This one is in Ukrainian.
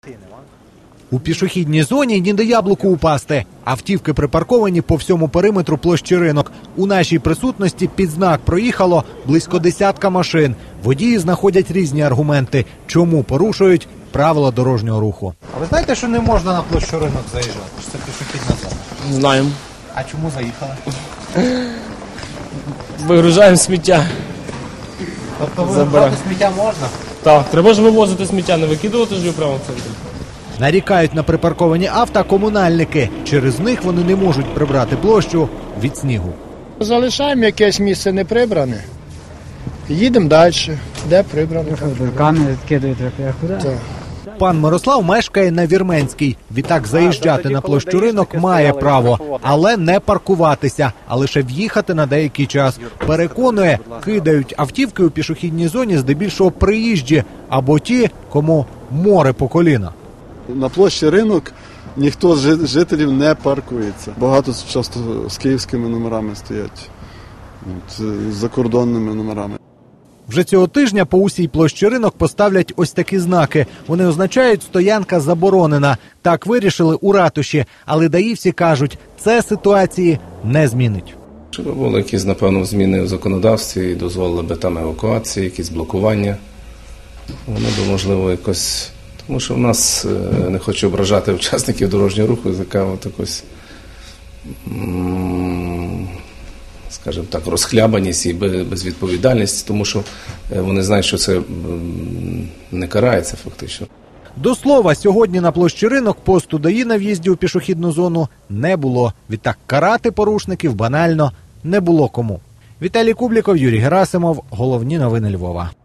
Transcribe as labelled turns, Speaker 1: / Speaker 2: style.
Speaker 1: У пішохідній зоні ніде яблуку упасти. Автівки припарковані по всьому периметру площі Ринок. У нашій присутності під знак проїхало близько десятка машин. Водії знаходять різні аргументи, чому порушують правила дорожнього руху. А ви знаєте, що не можна на площу Ринок заїжджати? Це пішохідна зона.
Speaker 2: Знаємо.
Speaker 1: А чому заїхали?
Speaker 2: Вигружаємо сміття.
Speaker 1: Тобто вигружати сміття можна?
Speaker 2: Так, треба ж вивозити сміття, не викидувати ж його прямо в центрі.
Speaker 1: Нарікають на припарковані авто комунальники. Через них вони не можуть прибрати площу від снігу.
Speaker 3: Залишаємо якесь місце не прибране, їдемо далі, де прибране.
Speaker 4: Камінь відкидають, а куди?
Speaker 3: Так.
Speaker 1: Пан Мирослав мешкає на Вірменській. Відтак заїжджати на площу Ринок має право, але не паркуватися, а лише в'їхати на деякий час. Переконує, кидають автівки у пішохідній зоні здебільшого приїжджі або ті, кому море по коліна.
Speaker 5: На площі Ринок ніхто з жителів не паркується. Багато часто з київськими номерами стоять, з закордонними номерами.
Speaker 1: Вже цього тижня по усій площі Ринок поставлять ось такі знаки. Вони означають «стоянка заборонена». Так вирішили у ратуші, але даївці кажуть, це ситуації не змінить.
Speaker 6: Щоб були якісь, напевно, зміни в законодавстві і дозволили би там евакуації, якісь блокування. Воно би, можливо, якось... Тому що в нас, не хочу ображати учасників дорожнього руху, така от якось, скажімо так, розхлябаність і безвідповідальність, тому що вони знають, що це не карається фактично.
Speaker 1: До слова, сьогодні на площі Ринок посту ДАІ на в'їзді у пішохідну зону не було. Відтак карати порушників банально не було кому. Віталій Кубліков, Юрій Герасимов. Головні новини Львова.